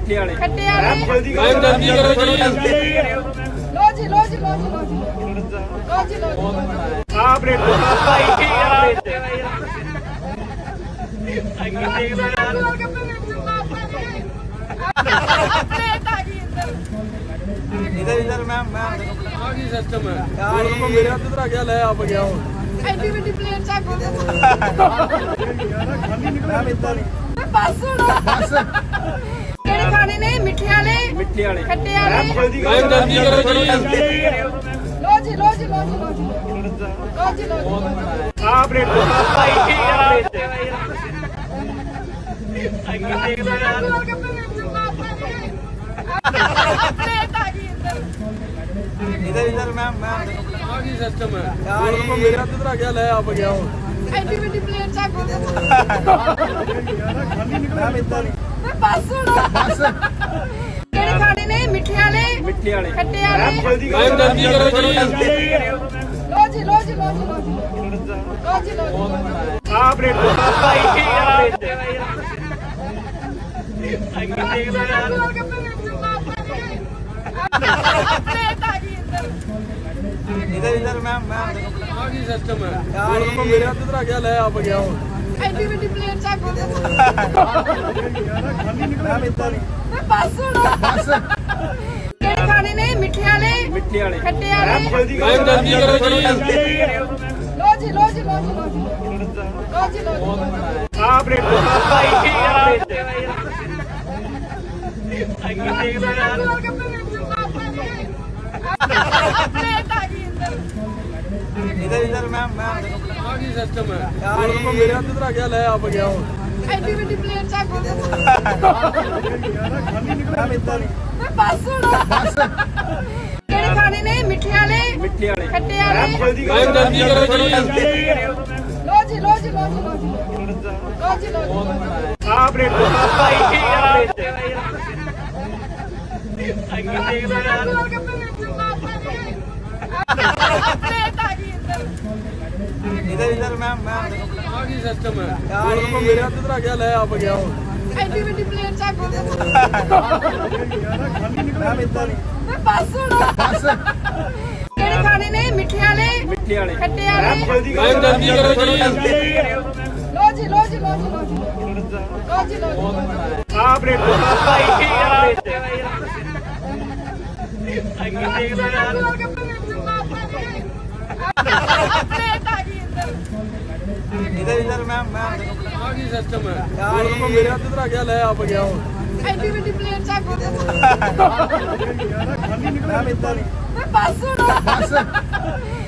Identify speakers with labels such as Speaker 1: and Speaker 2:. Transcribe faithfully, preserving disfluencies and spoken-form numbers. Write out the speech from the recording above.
Speaker 1: मिठे वाले
Speaker 2: खट्टे वाले
Speaker 1: मैम जल्दी करो जी
Speaker 2: लो जी लो जी लो जी लो जी लो जी लो जी
Speaker 1: आप रेट भाई इधर इधर मैम मैम आगे सिस्टम है यार को मेरे हाथ इधर आ गया ले आप गया हो
Speaker 2: एडी बड़ी प्लेट चाक हो गया
Speaker 1: मैम इधर
Speaker 2: बस सुनो बस केड़े खाने ने मिठे वाले
Speaker 1: मिठे वाले
Speaker 2: खट्टे वाले
Speaker 1: मैम जल्दी करो जी
Speaker 2: लो जी लो जी लो जी लो जी लो जी लो जी
Speaker 1: आप रेट भाई इधर इधर मैम मैम आगे सिस्टम है यार को मेरे हाथ इधर आ गया ले आप गया हो
Speaker 2: एडी बड़ी प्लेट चाक हो गया
Speaker 1: मैम इधर
Speaker 2: बस सुनो बस केड़े खाने ने मिठे वाले
Speaker 1: मिठे वाले
Speaker 2: खट्टे वाले
Speaker 1: मैम जल्दी करो जी
Speaker 2: लो जी लो जी लो जी लो जी लो जी लो जी
Speaker 1: आप रेट भाई इधर इधर मैम मैम आगे सिस्टम है यार को मेरे हाथ इधर आ गया ले आप गया हो
Speaker 2: एडी बड़ी प्लेट चाक हो गया
Speaker 1: मैम इधर
Speaker 2: बस सुनो बस केड़े खाने ने मिठे वाले
Speaker 1: मिठे वाले
Speaker 2: खट्टे वाले
Speaker 1: मैम जल्दी करो जी
Speaker 2: लो जी लो जी लो जी लो जी लो जी लो जी
Speaker 1: आप रेट भाई इधर इधर मैम मैम आगे सिस्टम है यार को मेरे हाथ इधर आ गया ले आप गया हो
Speaker 2: एडी बड़ी प्लेट चाक हो गया
Speaker 1: मैम इधर
Speaker 2: बस सुनो बस केड़े खाने ने मिठे वाले
Speaker 1: मिठे वाले
Speaker 2: खट्टे वाले
Speaker 1: मैम जल्दी करो जी
Speaker 2: लो जी लो जी लो जी लो जी लो जी लो जी
Speaker 1: आप रेट भाई इधर इधर मैम मैम आगे सिस्टम है यार को मेरे हाथ इधर आ गया ले आप गया हो
Speaker 2: एडी बड़ी प्लेट चाक हो गया
Speaker 1: मैम इधर
Speaker 2: बस सुनो बस केड़े खाने ने मिठे वाले
Speaker 1: मिठे वाले
Speaker 2: खट्टे वाले
Speaker 1: मैम जल्दी करो जी
Speaker 2: लो जी लो जी लो जी लो जी लो जी लो जी
Speaker 1: आप रेट भाई इधर इधर मैम मैम आगे सिस्टम है यार को मेरे हाथ इधर आ गया ले आप गया हो
Speaker 2: एडी बड़ी प्लेट चाक हो गया
Speaker 1: मैम इधर
Speaker 2: बस सुनो बस